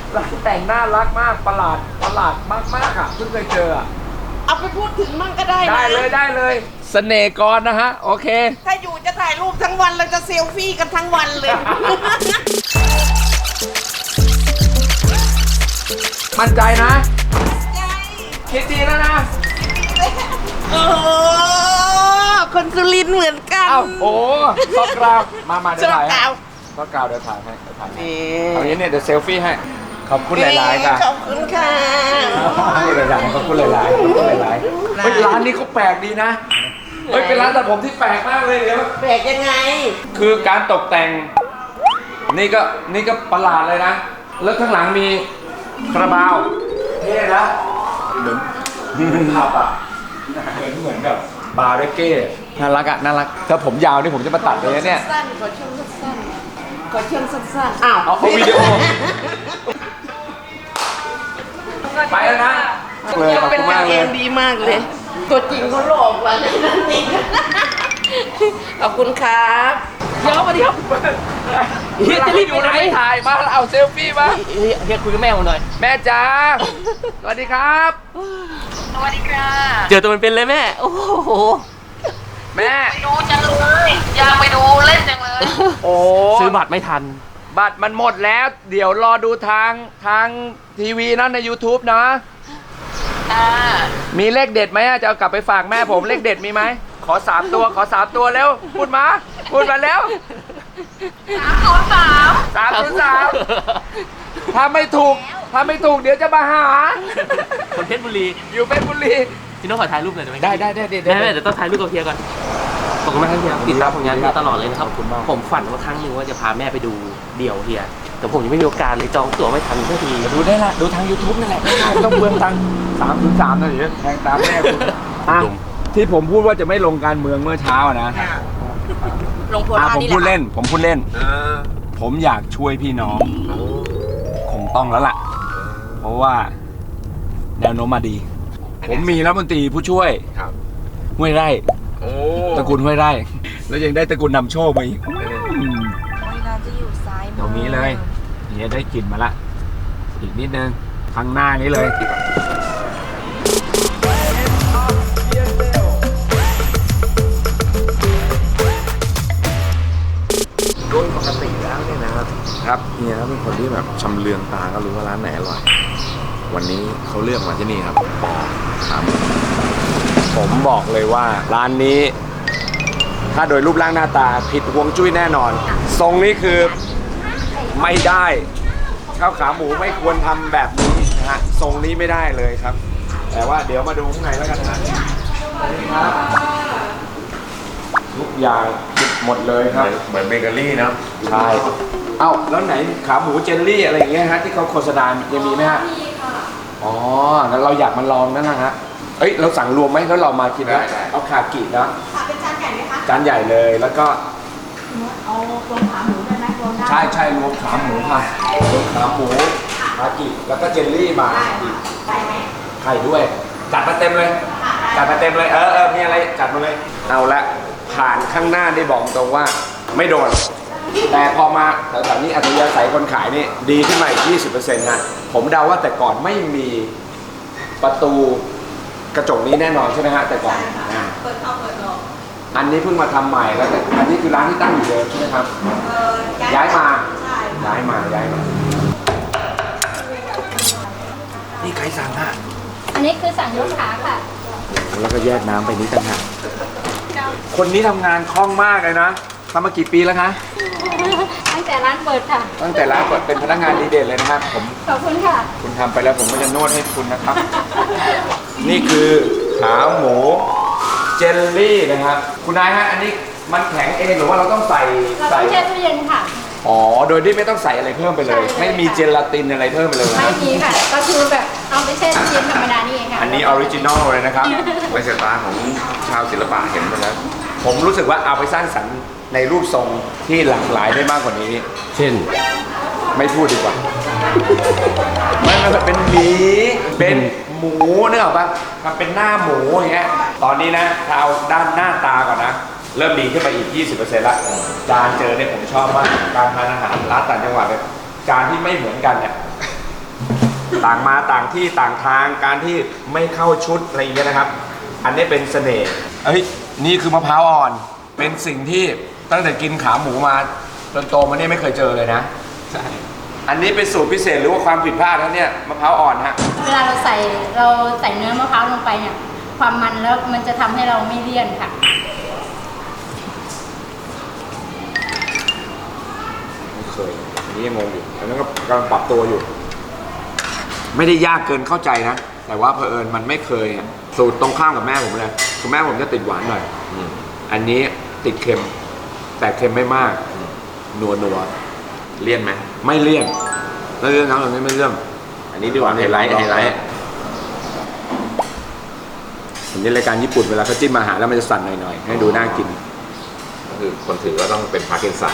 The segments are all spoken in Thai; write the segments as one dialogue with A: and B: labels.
A: ร้านแต่งน่ารักมากประหลาดมากอ่ะเพิ่งเคยเจออ่ะ
B: เอาไปพูดถึงมั่งก็ได้นะ
A: ได้เลยเสน่ห์กรนะฮะโอเค
B: ถ้าอยู่จะถ่ายรูปทั้งวันเราจะเซลฟี่กันทั้งวันเลย
A: มั่นใจนะคิดดีแล้วนะ
B: โอ้คนสุรินทร์เหมือนกัน
A: อ้าวโอ้ซอกกราวมาเดี๋ยวถ่ายให้ซอกกราวเดี๋ยวถ่ายให้เอาอย่างนี้เนี่ยเดี๋ยวเซลฟี่ให้ขอบคุณหลายๆค่ะ
B: ขอบคุณค่ะ
A: หลายๆขอบคุณหลายๆเฮ้ยร้านนี้เขาแปลกดีนะเฮ้ยเป็นร้านตัดผมที่แปลกมากเลยเดี๋ยว
B: แปลกยังไง
A: คือการตกแต่งนี่ก็ประหลาดเลยนะแล้วข้างหลังมีคาราบาวเท่นะเหมือนผับอ่ะเหมือนกับบาร์เรเก้น่ารักอ่ะน่ารักถ้าผมยาวนี่ผมจะมาตัดเลยนะเนี่ย
B: สั้นขอช่วงสั้นอ้าว
A: เอาวิดีโอไปแล้วนะเลยขอบคุณมากเลย
B: ดีมากเลยตัวจริงเขาหลอกว่ะนั่นจริงขอบคุณครับ
C: เดี๋ยวมาดิครับเฮียจะรีบไปไหน
A: ถ่ายมาเอาเซลฟี่มา
C: เฮียคุยกับแม่ผมหน่อย
A: แม่จ๋าสวัสดีครับ
D: สวัสดีค่ะ
C: เจอตัวเป็นเลยแม่โอ้โห
A: แม่
D: ไปดูจังเลยอยากไปดูเล่นจังเลย
A: โอ้
C: ซื้อบัตรไม่ทัน
A: บัตรมันหมดแล้วเดี๋ยวรอดูทางทีวีนะใน YouTube นะมีเลขเด็ดไหมจะเอากลับไปฝากแม่ผมเลขเด็ดมีไหมขอ3 ตัวเร็วพูดมาแล้ว303ถ้าไม่ถูกเดี๋ยวจะมาหา
C: คนเพชรบุรี
A: อยู่เพชรบุรี
C: พี่น้องขอถ่ายรูปหน่อยได้ไหม
A: ได้
C: แม่เดี๋ยวต้องถ่ายรูปกับเฮียก่อนขอบคุณมากครับเฮียติดตามผลงานมาตลอดเลยนะครับผมฝันว่าครั้งหนึ่งว่าจะพาแม่ไปดูเดี่ยวเฮียแต่ผมยังไม่มีโอกาสเลยจองตั๋วไม่ทันสักที
A: ดูได้ละดูทาง YouTube นั่นแหละไม่ต้องเปลืองตังค์303นะเดี๋ยวแทงตามแม่คุณที่ผมพูดว่าจะไม่ลงการเมืองเมื่อเช้านะ
B: ลงโพลา
A: ผมพูดเล่นผมอยากช่วยพี่น้องคงต้องแล้วล่ะเพราะว่าแนวโน้มมาดีผมมีรัฐมนตรีผู้ช่วยห้วยไร่ตระกูลห้วยไร่แล้วยังได้ตระกูลนำโชคมาอีก
B: เราจะอยู่ซ้าย
A: ตรงนี้เลยเนี่ยได้กลิ่นมาละอีกนิดนึงข้างหน้านี้เลย
E: โดยปกติแล้วเนี่ยนะครับเฮียเป็นคนที่แบบชำเลืองตาก็รู้ว่าร้านไหนอร่อยวันนี้เขาเลือกมาที่นี่ครับปอครับ
A: ผมบอกเลยว่าร้านนี้ถ้าโดยรูปร่างหน้าตาผิดฮวงจุ้ยแน่นอนทรงนี้คือไม่ได้ข้าวขาหมูไม่ควรทำแบบนี้นะฮะทรงนี้ไม่ได้เลยครับแต่ว่าเดี๋ยวมาดูข้างในแล้วกันนะครับทุกอย่างผิดหมดเลยครับ
E: เหมือนเบเกอรี่นะ
A: ใช่เอ้าแล้วไหนขาหมูเจลลี่อะไรอย่างเงี้ยฮะที่เขาโฆษณายังมีไหมฮะอ๋องั้นเราอยากมาลองนั่นนะฮะเอ้ยเราสั่งรวมไหมแล้วเรามากินนะเอาคากินะ
B: เป็นจานใหญ่ไหมคะ
A: จานใหญ่เลยแล้วก็
B: เอารวมขาหมูได้ไหมรวมได้
A: ใช่รวมขาหมูค่ะรวมขาหมูคากิแล้วก็เจลลี่มา
B: ไข่ไหม
A: ไข่ด้วยจัดมาเต็มเลยมีอะไรจัดมาเลยเอาละผ่านข้างหน้าได้บอกตรงว่าไม่โดนแต่พอมาแถวๆนี้อัธยาศัยคนขายนี่ดีขึ้นมาอีก 20% นะผมเดาว่าแต่ก่อนไม่มีประตูกระจกนี้แน่นอนใช่ไหมฮะแต่ก่อน
B: เปิดเข้าเปิดออก
A: อันนี้เพิ่งมาทำใหม่แล้วอันนี้คือร้านที่ตั้งอยู่เดิมใช่ไหมครับย้ายมานี่ใครสั่งอ่ะ
F: อันนี้คือสั่งยกขาค่ะ
A: แล้วก็แยกน้ำไปนี้ต่างหากคนนี้ทำงานคล่องมากเลยนะทำมากี่ปีแล้วคะ
F: ตั้งแต่ร้านเปิดค่ะ
A: ตั้งแต่ร้านเปิดเป็นพนักงานดีเด่นเลยนะครับผม
F: ขอบคุณค่ะ
A: คุณทำไปแล้วผมก็จะนวดให้คุณนะครับนี่คือขาหมูเจลลี่นะครับคุณนายฮะอันนี้มันแข็งเองหรือว่าเราต้องใส่
F: แช่ตู้เย็นค่ะ
A: อ๋อโดยที่ไม่ต้องใส่อะไรเพิ่มไปเลยไม่มีเจลาตินอะไรเพิ่มไปเลย
F: ไม่มีค่ะก็คือแบบเอาไปแช่ตู้เย็นธรรมดานี่เองค่ะ
A: อันนี้ออริจินอลเลยนะครับ
E: ไม่ใช่ตาของชาวศิลปะเห็นไปแล้ว
A: ผมรู้สึกว่าเอาไปสร้างสรรค์ในรูปทรงที่หลากหลายได้มากกว่านี้
C: เช่น
A: ไม่พูดดีกว่ามันเป็นหมีเป็นหมูเนื้อป่ะมันเป็นหน้าหมูอย่างเงี้ยตอนนี้นะถ้าเอาด้านหน้าตาก่อนนะเริ่มดีขึ้นไปอีก 20% ละจานเจอเนี่ยผมชอบมากการทานอาหารร้านต่างจังหวัดเนี่ยจานที่ไม่เหมือนกันเนี่ยต่างมาต่างที่ต่างทางการที่ไม่เข้าชุดอะไรอย่างเงี้ยนะครับ อันนี้เป็นเสน่ห์เอ้ยนี่คือมะพร้าวอ่อนเป็นสิ่งที่ตั้งแต่กินขาหมูมาจนโตมาเนี่ยไม่เคยเจอเลยนะใช่อันนี้เป็นสูตรพิเศษหรือว่าความผิดพลาดนะเนี่ยมะพร้าวอ่อนฮะ
F: เวลาเราใส่เนื้อมะพร้าวลงไปเนี่ย ความมันแล้วมันจะทำให้เราไม่เลี่ยนค่ะ
A: ไม่เคยอันนี้ยังงงอยู่อันนั้นก็กำลังปรับตัวอยู่ ไม่ได้ยากเกินเข้าใจนะแต่ว่าเผอิญมันไม่เคยอะสูตรตรงข้ามกับแม่ผมเลยคือแม่ผมจะติดหวานหน่อยอันนี้ติดเค็มแต่เค็มไม่มากนัว
E: เลี่ยนไหม
A: ไม่เลี่ยนแล้วเรื่องน้ำตรงนี้ไม่เลี่ยน
E: อันนี้ดีกว่าไฮไลท์
A: ผมในรายการญี่ปุ่นเวลาเขาจิ้มอาหารแล้วมันจะสั่นหน่อยๆให้ดูน่ากิน
E: ก็คือคนถือก็ต้องเป็นพาร์กินสัน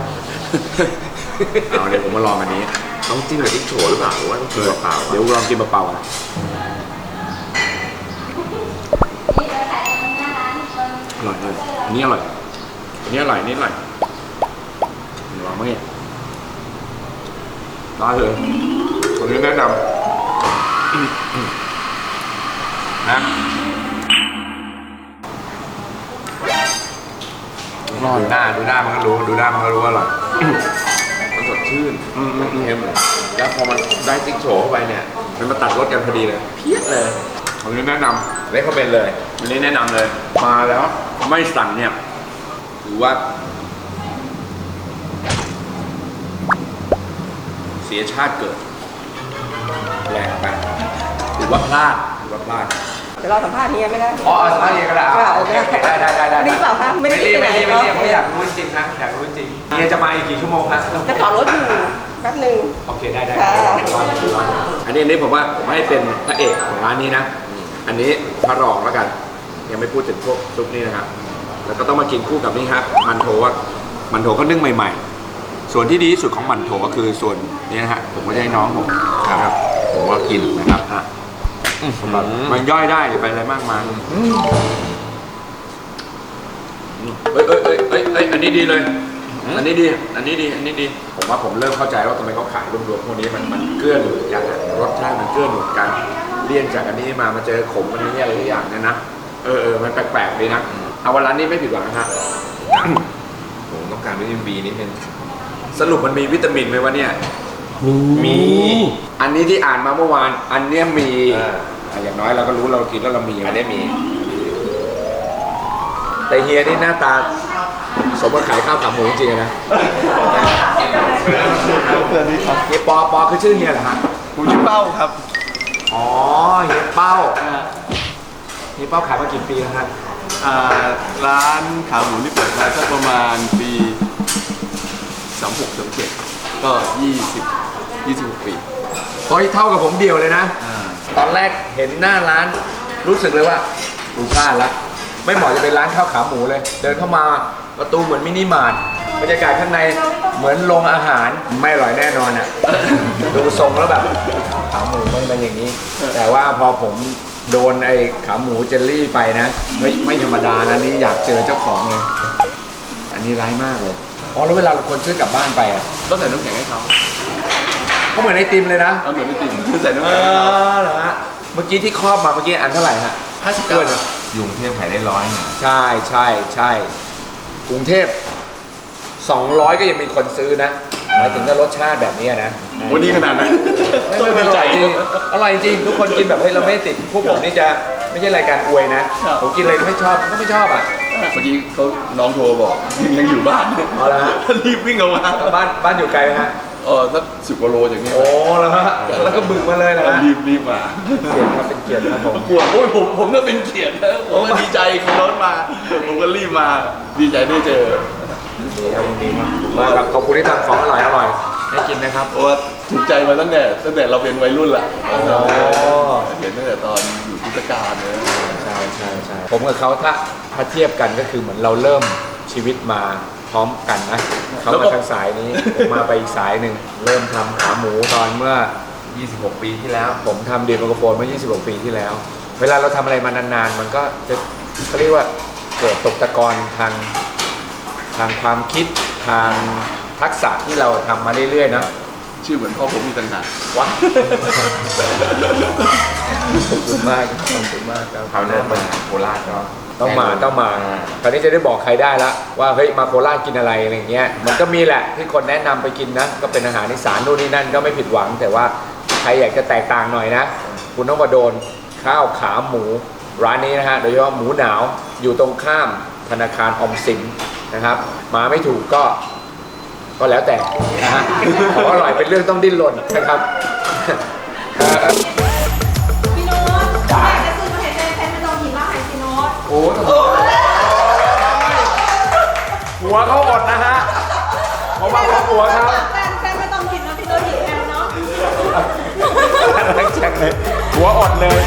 A: เอาเดี๋ยวผมมาลองอันนี้
E: ต้องจิ้มกับพริกโฉหรือเปล่าหรือว่าต้องกินเปล่าๆ
A: เดี๋ยวลองกินเปล่าๆนะอร่อยเลยอันนี้อร่อยอันนี้อร่อยอันนี้อร่อยลองไหมได้เลยอันนี้แนะนำนะดูหน้ามันก็รู้อร่อย
E: มันสดชื่นเค็มแล้วพอมันได้พริกโฉเข้าไปเนี่ย
A: มันมาตัดรสกันพอดีเลย
E: เพี้ยเลย
A: อันนี้แนะนำ
E: เล็กเขาเป็นเลย
A: อันนี้แนะนำเลยมาแล้วไม่สั่งเนี่ยถือว่าเสียชาติเกิดแรงไปถือว่าพลาด
B: เดี๋ยวเราสัมภาษณ์เฮียไม่ได้
A: อ๋อสัมภาษณ์เองก็ได้
B: โอเค
A: ได้
B: รีบเปล่าคะไม่ได้รีบไปไหน
A: ไม่รีบไม่อยากรู้จริงนะอยากรู้จริงเฮียจะมาอีกกี่ชั่วโมงนะ
B: จะต่อรถอยู่แป๊บหนึ่ง
A: โอเคได้
B: ค่ะ
A: อันนี้ผมว่าผมให้เป็นพระเอกของร้านนี้นะอันนี้พระรองแล้วกันยังไม่พูดถึงพวกซุปนี่นะครับแล้วก็ต้องมากินคู่กับนี่ครับมันโถก็นึ่งใหม่ๆ ส่วนที่ดีที่สุดของมันโถก็คือส่วนนี้นะฮะผมก็จะให้น้องผมครับผมว่ากินนะครับมันย่อยได้ไปอะไรมากมายอันนี้ดีเลย อันนี้ดีผมว่าผมเริ่มเข้าใจว่าทำไมเขาขายรวมๆพวกนี้มันเกื้อหนุนกันรสชาติมันเกื้อหนุนกันเลี่ยนจากอันนี้มาเจอขมอันนี้อะไรอย่างเนี่ยนะมันแปลกๆดีนะเอาวันร้านนี้ไม่ผิดหวังนะฮะ
E: ผมต้องการวิตามินบีนิดนึง
A: สรุปมันมีวิตามินไหมวะเนี่ยมีอันนี้ที่อ่านมาเมื่อวานอันเนี้ยมีอย่างน้อยเราก็รู้เรากินแล้วเรามีอันนี้มีแต่เฮียนี่หน้าตาสมกับขายข้าวขาหมูจริงๆนะเฮียปอคือชื่อเฮียเหรอฮะ
G: ผมชื่อเป้าครับ
A: อ๋อเฮียเป้าขายมากี่ปีแล้วฮะ
G: ร้านขาหมูนี่เปิดมาสักประมาณปี36-37ก็26 ปี
A: เฮ้ยเท่ากับผมเดียวเลยนะ ตอนแรกเห็นหน้าร้านรู้สึกเลยว่าดูพลาดละไม่เหมาะจะเป็นร้านข้าวขาหมูเลย เดินเข้ามาประตูเหมือนมินิมาร์ทบรรยากาศข้างในเหมือนโรงอาหารไม่อร่อยแน่นอนอ่ะ ดูทรงแล้วแบบขาหมูมันเป็นอย่างนี้ แต่ว่าพอผมโดนไอ้ขาหมูเจลลี่ไปนะไม่ธรรมดานะนี่อยากเจอเจ้าของเลยอันนี้ร้ายมากเลยอ๋อแล้วเวลาคนซื้อกลับบ้านไปอ่ะ
G: ก็ใส่น้ำแข็งให้เขา
A: เขาเหมือนไอติมเลยนะ
G: เอาเหมือนไม่ติ่มคือใส่น้ำ
A: เอ
G: แข็งให้เขา
A: อเหรอฮะเมื่อกี้ที่ครอบมาเมื่อกี้อันเท่าไหร่ฮะ
G: 59
E: ยุงเทพขายได้100เนี่ย
A: ใช่กรุงเทพ200ก็ยังมีคนซื้อนะหมายถึงถ้ารสชาติแบบนี้นะ
G: วันนี้ขนาดนั้น
A: ไม่อร่อยจริงอร่อยจริงทุกคนกินแบบเฮ้ยเราไม่ติดพวกผมนี่จะไม่ใช่รายการอวยนะผมกินอะไรไม่ชอบก็ไม่ชอบอ่ะ
G: เมื่อกี้เขาน้องโทรบอกยังอยู่บ้าน
A: เอาละฮะ
G: รีบวิ่งออกมา
A: บ้านอยู่ไกลไหมฮะ
G: สัก10 กว่าโลอย่างนี้
A: โอ้แล้วฮะแล้วก็บึกมาเลยนะฮะ
G: รีบมา
A: เกียรติครับเป็นเกียรติครับผม
G: ปวดโอ้ยผมก็เป็นเกียรตินะผมก็ดีใจขี่รถมาผมก็รีบมาดีใจได้เจอ
A: ดีครับดีมากครับขอบคุณที่ทำของอร่อยให้กินนะครับ
G: เพราะว่าถูกใจมาตั้งแต่เราเป็นวัยรุ่นละเห็นตั้งแต่ตอนอยู่พุทธกาลเลย
A: ใช่ผมกับเขาถ้าเทียบกันก็คือเหมือนเราเริ่มชีวิตมาพร้อมกันนะเขามาทางสายนี้ผมมาไปอีกสายหนึ่งเริ่มทำขาหมูตอนเมื่อ26 ปีที่แล้ว ผมทำเดียร์ไมโครโฟนเมื่อ26 ปีที่แล้ว เวลาเราทำอะไรมานานๆมันก็จะเขาเรียกว่าเกิดตกตะกอนทางความคิดทางทักษะที่เราทำมาเรื่อยๆนะ
G: ชื่อเหมือนพ่อผมมีต่างหาก
A: ว้า
E: ขอบคุณมากขอบคุณมากครับคราวหน้ามาโคราชก็
A: ต้องมาคราวนี้จะได้บอกใครได้ละว่าเฮ้ยมาโคราชกินอะไรอะไรเงี้ยมันก็มีแหละที่คนแนะนำไปกินนะก็เป็นอาหารอีสานนู่นนี่นั่นก็ไม่ผิดหวัง แต่ว่าใครอยากจะแตกต่างหน่อยนะ คุณต้องมาโดนข้าวขาหมูร้านนี้นะฮะโดยเฉพาะหมูหนาวอยู่ตรงข้ามธนาคารออมสินนะครับ มาไม่ถูกก็แล้วแต่นะฮะของอร่อยเป็นเรื่องต้องดิ้นรนนะครับ
F: พี่โน้ตอยากจะซื้อมาให้แฟนไม่ต้องหินมาให้พี่โน้ต
A: โอ้หัวเขาอดนะฮะเพราะว่าหัวเขา
F: แฟนไม่ต้องหินนะพี่โน้ตหินแอลเนาะ
A: แข็งเลยหัวอดเลย